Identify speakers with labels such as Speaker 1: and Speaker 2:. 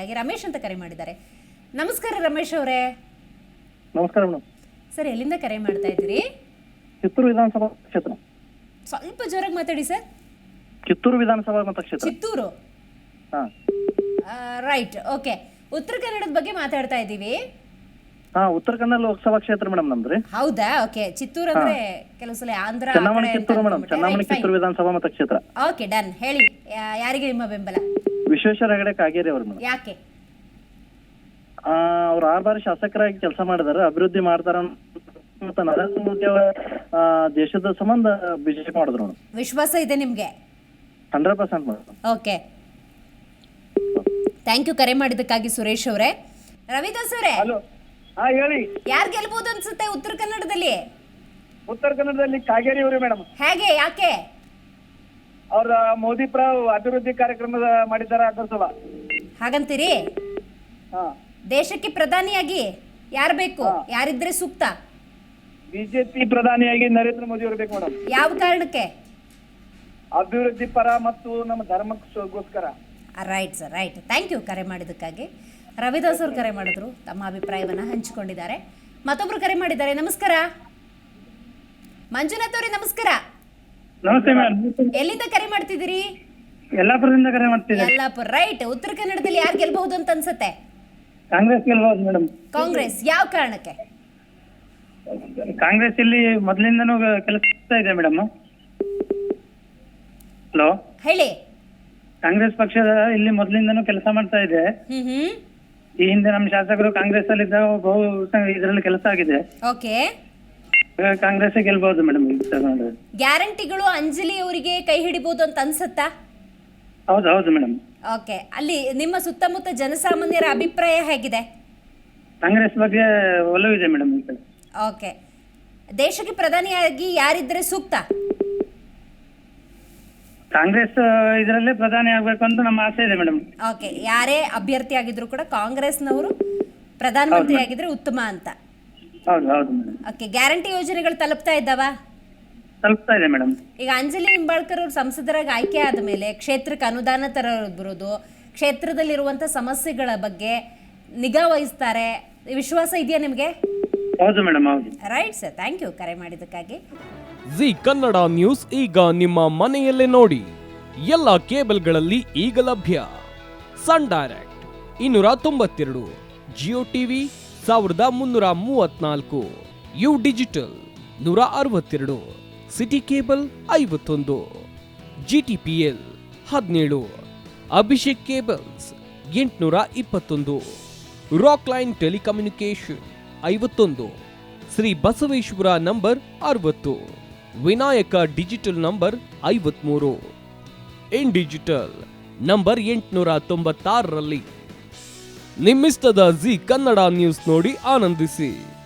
Speaker 1: ಮಾಹಿತಿಗಾಗಿ ರಮೇಶ್ ಅಂತ ಕರೆ ಮಾಡಿದ್ದಾರೆ. ನಮಸ್ಕಾರ ರಮೇಶ್ ಅವರೇ.
Speaker 2: ನಮಸ್ಕಾರ ಮೇಡಮ್.
Speaker 1: ಸರ್, ಎಲ್ಲಿಂದ ಕರೆ ಮಾಡ್ತಾ ಇದ್ದೀರಿ?
Speaker 2: ಕಿತ್ತೂರು ವಿಧಾನಸಭಾ ಕ್ಷೇತ್ರ.
Speaker 1: ಸ್ವಲ್ಪ ಜೋರಾಗಿ ಮಾತಾಡಿ ಸರ್.
Speaker 2: ಕಿತ್ತೂರು ವಿಧಾನಸಭಾ ಮತಕ್ಷೇತ್ರ.
Speaker 1: ಚಿತ್ತೂರು. Right, okay. ಉತ್ತರ ಕನ್ನಡದ ಬಗ್ಗೆ ಮಾತಾಡ್ತಾ ಇದ್ದೀವಿ.
Speaker 2: ಉತ್ತರ ಕನ್ನಡ ಲೋಕಸಭಾ ಕ್ಷೇತ್ರ ಮೇಡಮ್ ನಮ್ದ್ರಿ.
Speaker 1: ಹೌದಾ? ಓಕೆ. ಚಿತ್ತೂರು ಅಂದ್ರೆ ಕೆಲವು ಸಲ ಆಂಧ್ರ
Speaker 2: ಚನ್ನಾಮಣಿ ಕಿತ್ತೂರು ಮೇಡಮ್. ಚನ್ನಾಮಣಿ ಕಿತ್ತೂರು ವಿಧಾನಸಭಾ ಮತಕ್ಷೇತ್ರ.
Speaker 1: Okay, done. ಹೇಳಿ, ಯಾರಿಗೆ ನಿಮ್ಮ ಬೆಂಬಲ?
Speaker 2: ವಿಶ್ವೇಶ್ವರ ಹೆಗಡೆ ಕಾಗೇರಿ ಅವರು ಮೇಡಮ್.
Speaker 1: ಯಾಕೆ?
Speaker 2: ಅವ್ರು 6 ಬಾರಿ ಶಾಸಕರಾಗಿ ಕೆಲಸ ಮಾಡಿದಾರೆ, ಅಭಿವೃದ್ಧಿ ಮಾಡ್ತಾರ. ಮತ್ತೆ ನರೇಂದ್ರ ಮೋದಿ ಅವರ ದೇಶದ ಸಂಬಂಧ ಬಿಜೆಪಿ ಮಾಡಿದ್ರು ಮೇಡಮ್.
Speaker 1: ವಿಶ್ವಾಸ ಇದೆ ನಿಮ್ಗೆ?
Speaker 2: 100% ಮೇಡಮ್.
Speaker 1: ಓಕೆ, ಥ್ಯಾಂಕ್ ಯು ಕರೆ ಮಾಡಿದ್ದಕ್ಕಾಗಿ ಸುರೇಶ್ ಅವರೇ. ರವಿದಾಸ್ ಅವರೇ,
Speaker 2: ಹೇಳಿ.
Speaker 1: ಯಾರು ಗೆಲ್ಬಹುದು ಅನ್ಸುತ್ತೆ ಉತ್ತರ ಕನ್ನಡದಲ್ಲಿ?
Speaker 2: ಉತ್ತರ ಕನ್ನಡದಲ್ಲಿ ಕಾಗೇರಿ ಅವರು ಮೇಡಮ್.
Speaker 1: ಹೇಗೆ? ಯಾಕೆ?
Speaker 2: ಅವ್ರ ಮೋದಿ ಪರ ಅಭಿವೃದ್ಧಿ ಕಾರ್ಯಕ್ರಮ ಮಾಡಿದ್ದಾರೆ, ಅದರ ಸಲ
Speaker 1: ಹಾಗಂತೀರಿ? ದೇಶಕ್ಕೆ ಪ್ರಧಾನಿಯಾಗಿ ಯಾರು ಬೇಕು? ಯಾರಿದ್ರೆ ಸೂಕ್ತ?
Speaker 2: ಬಿಜೆಪಿ ಪ್ರಧಾನಿಯಾಗಿ ನರೇಂದ್ರ ಮೋದಿ ಅವರು ಬೇಕು ಮೇಡಮ್.
Speaker 1: ಯಾವ ಕಾರಣಕ್ಕೆ?
Speaker 2: ಅಭಿವೃದ್ಧಿ ಪರ ಮತ್ತು ನಮ್ಮ ಧರ್ಮಕ್ಕೋಸ್ಕರ.
Speaker 1: Right sir, right. Thank you ಕರೆ ಮಾಡಿದ್ದಕ್ಕಾಗಿ. ರವಿದಾಸ್ ಅವರು ಕರೆ ಮಾಡಿದ್ರು, ತಮ್ಮ ಅಭಿಪ್ರಾಯವನ್ನು ಹಂಚಿಕೊಂಡಿದ್ದಾರೆ. ಮತ್ತೊಬ್ರು ಕರೆ ಮಾಡಿದ್ದಾರೆ. ನಮಸ್ಕಾರ ಮಂಜುನಾಥ್ ಅವರೇ. ನಮಸ್ಕಾರ.
Speaker 2: ನಮಸ್ತೆ ಮೇಡಮ್.
Speaker 1: ಎಲ್ಲಿಂದ ಕರೆ ಮಾಡ್ತಿದ್ದೀರಿ?
Speaker 2: ಯಲ್ಲಾಪುರದಿಂದ ಕರೆ ಮಾಡ್ತಿದ್ದೀನಿ.
Speaker 1: ಯಲ್ಲಾಪುರ. ರೈಟ್. ಉತ್ತರ ಕನ್ನಡದಲ್ಲಿ ಯಾರು ಗೆಲ್ಬಹುದು ಅಂತ ಅನ್ಸುತ್ತೆ?
Speaker 2: ಕಾಂಗ್ರೆಸ್ ಗೆಲ್ಬಹುದು ಮೇಡಮ್.
Speaker 1: ಕಾಂಗ್ರೆಸ್. ಯಾವ ಕಾರಣಕ್ಕೆ?
Speaker 2: ಕಾಂಗ್ರೆಸ್ ಇಲ್ಲಿ ಮೊದಲಿಂದನೂ ಕೆಲಸ ಇದೆ ಮೇಡಮ್. ಹಲೋ,
Speaker 1: ಹೇಳಿ.
Speaker 2: ಕಾಂಗ್ರೆಸ್ ಪಕ್ಷದ ಇಲ್ಲಿ ಮೊದಲಿಂದನೂ ಕೆಲಸ ಮಾಡ್ತಾ ಇದೆ. ಈ ಹಿಂದೆ ನಮ್ಮ ಶಾಸಕರು ಕಾಂಗ್ರೆಸ್ ಅಲ್ಲಿ ಬಹು ಇದರಲ್ಲಿ ಕೆಲಸ ಆಗಿದೆ.
Speaker 1: ಓಕೆ,
Speaker 2: ಕಾಂಗ್ರೆಸ್ ಗೆಲ್ಬಹುದು ಮೇಡಮ್.
Speaker 1: ಗ್ಯಾರಂಟಿಗಳು ಅಂಜಲಿ ಅವರಿಗೆ ಕೈ ಹಿಡಿಬಹುದು ಅಂತ ಅನ್ಸುತ್ತಾ?
Speaker 2: ಹೌದು ಹೌದು ಮೇಡಮ್.
Speaker 1: ಓಕೆ, ಅಲ್ಲಿ ನಿಮ್ಮ ಸುತ್ತಮುತ್ತ ಜನಸಾಮಾನ್ಯರ ಅಭಿಪ್ರಾಯ ಹೇಗಿದೆ?
Speaker 2: ಕಾಂಗ್ರೆಸ್ ಬಗ್ಗೆ ಒಲವಿದೆ ಮೇಡಮ್.
Speaker 1: ಓಕೆ, ದೇಶಕ್ಕೆ ಪ್ರಧಾನಿಯಾಗಿ ಯಾರಿದ್ರೆ ಸೂಕ್ತ?
Speaker 2: ಕಾಂಗ್ರೆಸ್ ಇದರಲ್ಲೇ ಪ್ರಧಾನಿ ಆಗ್ಬೇಕು ಅಂತ ನಮ್ಮ ಆಸೆ ಇದೆ ಮೇಡಮ್.
Speaker 1: ಓಕೆ, ಯಾರೇ ಅಭ್ಯರ್ಥಿ ಆಗಿದ್ರು ಕೂಡ ಕಾಂಗ್ರೆಸ್ನವರು ಪ್ರಧಾನಮಂತ್ರಿ ಆಗಿದ್ರೆ ಉತ್ತಮ ಅಂತ.
Speaker 2: ಹೌದು ಹೌದು ಮೇಡಮ್.
Speaker 1: ಓಕೆ, ಗ್ಯಾರಂಟಿ ಯೋಜನೆಗಳು ತಲುಪ್ತಾ ಇದ್ದಾವ?
Speaker 2: ತಲುಪ್ತಾ ಇದೆ ಮೇಡಮ್. ಈಗ
Speaker 1: ಅಂಜಲಿ ನಿಂಬಾಳ್ಕರ್ ಅವರು ಸಂಸದರಾಗಿ ಆಯ್ಕೆ ಆದ ಮೇಲೆ ಕ್ಷೇತ್ರಕ್ಕೆ ಅನುದಾನ ತರೋದು, ಕ್ಷೇತ್ರದಲ್ಲಿರುವಂಥ ಸಮಸ್ಯೆಗಳ ಬಗ್ಗೆ ನಿಗಾ ವಹಿಸ್ತಾರೆ. ವಿಶ್ವಾಸ ಇದೆಯಾ ನಿಮಗೆ?
Speaker 2: ಹೌದು ಮೇಡಮ್, ಹೌದು.
Speaker 1: ರೈಟ್ ಸರ್, ಥ್ಯಾಂಕ್ ಯು ಕರೆ ಮಾಡಿದ್ದಕ್ಕಾಗಿ.
Speaker 3: ಜಿ ಕನ್ನಡ ನ್ಯೂಸ್ ಈಗ ನಿಮ್ಮ ಮನೆಯಲ್ಲೇ ನೋಡಿ. ಎಲ್ಲ ಕೇಬಲ್ಗಳಲ್ಲಿ ಈಗ ಲಭ್ಯ. Sun Direct 292, Jio TV 1334, U digital 162, city cable 51, GTPL 17, Abhishek cables 821, Rockline telecommunication 51, Shri Basaveshwara number 60, Vinayaka digital number 53, in digital number 896ರಲ್ಲಿ. ನಿಮ್ಮಿಸ್ತದ ಜಿ ಕನ್ನಡ ನ್ಯೂಸ್ ನೋಡಿ ಆನಂದಿಸಿ.